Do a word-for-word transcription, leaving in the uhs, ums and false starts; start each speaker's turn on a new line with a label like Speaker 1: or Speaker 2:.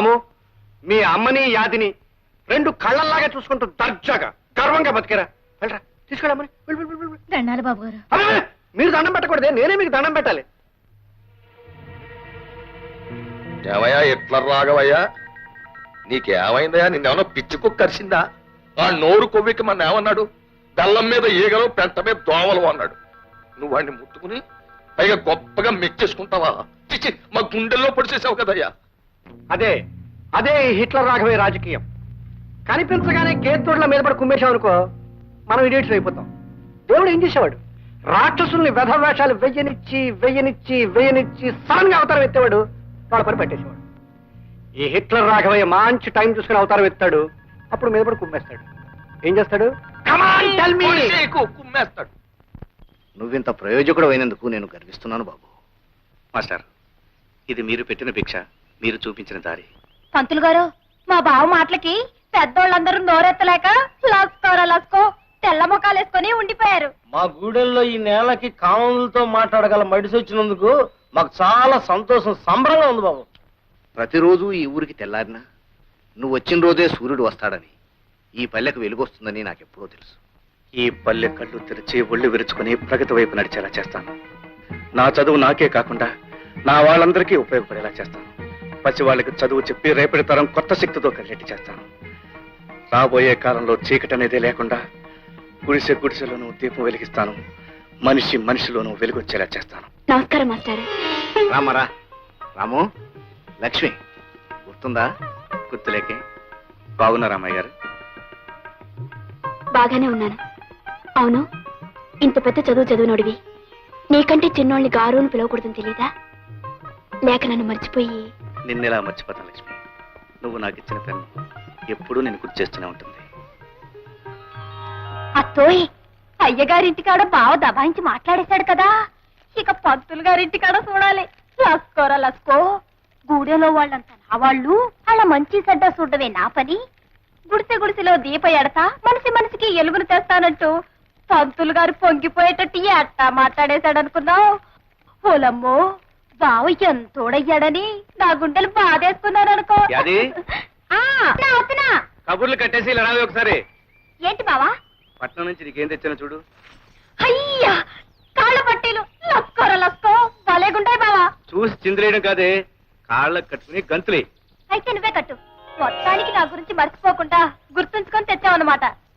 Speaker 1: రాము, మీ అమ్మని యాదిని రెండు కళ్ళల్లాగా చూసుకుంటూ దర్జాగా గర్వంగా బతికేరా. వెళ్ళరా, తీసుకెళ్ళమ్మని.
Speaker 2: దండాలి బాబు గారు.
Speaker 1: మీరు దండం పెట్టకూడదే, నేనే మీకు దండం పెట్టాలి.
Speaker 3: ఏమయ్యా ఎట్లా రాగవయ్యా, నీకేమైందయ్యా? నిన్నేమన్నా పిచ్చి కుక్క కరిసిందా? ఆ నోరు కొవ్వికి మన ఏమన్నాడు? బెల్లం మీద ఈగలు, పెంట మీద దోమలు అన్నాడు. నువ్వు వాడిని ముట్టుకుని పైగా గొప్పగా మెచ్చేసుకుంటావా? చిచ్చి, మా గుండెల్లో పొడిచేసావు కదయ్యా.
Speaker 1: అదే అదే హిట్లర్ రాఘవే రాజకీయం. కనిపించగానే కేతోడ్ల మీద పడి కుమ్మేశాం అనుకో, మనం ఇడియట్స్ అయిపోతాం. దేవుడు ఏం చేసేవాడు? రాక్షసుల్ని వెధవేషాలు వెయ్యనిచ్చి వెయ్యనిచ్చి వెయ్యనిచ్చి సడన్ గా అవతారం ఎత్తేవాడు, వాళ్ళ పని పెట్టేసేవాడు. ఈ హిట్లర్ రాఘవయ్య మంచి టైం చూసుకుని అవతారం ఎత్తాడు, అప్పుడు మీద పడి కుమ్మేస్తాడు. ఏం చేస్తాడు?
Speaker 3: కుమ్మేస్తాడు.
Speaker 1: నువ్వింత ప్రయోజకుడు అయినందుకు నేను గర్విస్తున్నాను బాబు.
Speaker 4: మాస్టర్, ఇది మీరు పెట్టిన భిక్ష, మీరు చూపించిన దారి.
Speaker 2: పంతులు గారు, మా బావ మాటలకి పెద్దోళ్ళందరూ నోరెత్తలేక లస్కోరా లస్కో తెల్ల ముఖాలు వేసుకొని ఉండిపోయారు.
Speaker 5: మా గూడెల్లో ఈ నేలకి కామన్లతో మాట్లాడగల మడిసి వచ్చినందుకు మాకు చాలా సంతోషం, సంబరంగా ఉంది బాబు.
Speaker 1: ప్రతిరోజు ఈ ఊరికి తెల్లారినా నువ్వు వచ్చిన రోజే సూర్యుడు వస్తాడని, ఈ పల్లెకు వెలుగొస్తుందని నాకెప్పుడో తెలుసు.
Speaker 4: ఈ పల్లె కళ్ళు తెరిచి ఒళ్ళు విరుచుకుని ప్రగతి వైపు నడిచేలా చేస్తాను. నా చదువు నాకే కాకుండా నా వాళ్ళందరికీ ఉపయోగపడేలా చేస్తాను. పసి వాళ్ళకి చదువు చెప్పి రేపటి తరం కొత్త శక్తితో కలిగేట్టు చేస్తాను. రాబోయే కాలంలో చీకటి అనేది లేకుండా గుడిసె గుడిసెలోనూ దీపం వెలిగిస్తాను. మనిషి మనిషిలోనూ వెలుగొచ్చేలా చేస్తాను.
Speaker 2: నమస్కారం మాస్టర్.
Speaker 1: రామరా రాము, లక్ష్మి గుర్తుందా?
Speaker 4: గుర్తులేకే. బాగున్నా రామయ్య గారు?
Speaker 2: బాగానే ఉన్నాను. అవును, ఇంత పెద్ద చదువు చదువునోడివి, నీకంటే చిన్నోళ్ళని గారు అని పిలవకూడదని తెలీదా? లేక నన్ను మర్చిపోయి?
Speaker 4: నిన్నెలా మర్చిపోతాను లక్ష్మి. నువ్వు నాకు ఇచ్చిన పెన్ను ఎప్పుడూ నేను గుర్తు చేస్తూనే ఉంటుంది.
Speaker 2: అత్తోయ్, అయ్యగారింటికాడ బావ దబాయించి మాట్లాడేశాడు కదా, ఇక పంతులు గారింటికాడ చూడాలి. లస్కోరా లస్కో, గూడెలో వాళ్ళంతా నా వాళ్ళు, అలా మంచి చెడ్డ చూడవే నా పని. గుడిసె గుడిసెలో దీప ఎడతా, మనిషి మనిషికి ఎలుగును తెస్తానంటూ పంతులు గారు పొంగిపోయేటట్టు ఎట్టా మాట్లాడేశాడనుకున్నావు? ఓలమ్మో, బావ ఎంతోడయ్యాడని నా గుండెలు బాధేసుకున్నారనుకో.
Speaker 4: కబుర్లు కట్టేసి ఇలా రావే ఒకసారి.
Speaker 2: ఏంటి బావా?
Speaker 4: పట్నం నుంచి నీకేం తెచ్చాను చూడు.
Speaker 2: అయ్యా, కాళ్ళ పట్టీలు. లస్కోరా లస్కో, భలేగుంటాయి బావా.
Speaker 4: చూసి చిందులేయడం కాదే, కాళ్ళకు కట్టుకుని గంతులే.
Speaker 2: అయితే నువ్వే కట్టు. మొత్తానికి నా గురించి మర్చిపోకుండా గుర్తుంచుకొని తెచ్చావన్నమాట.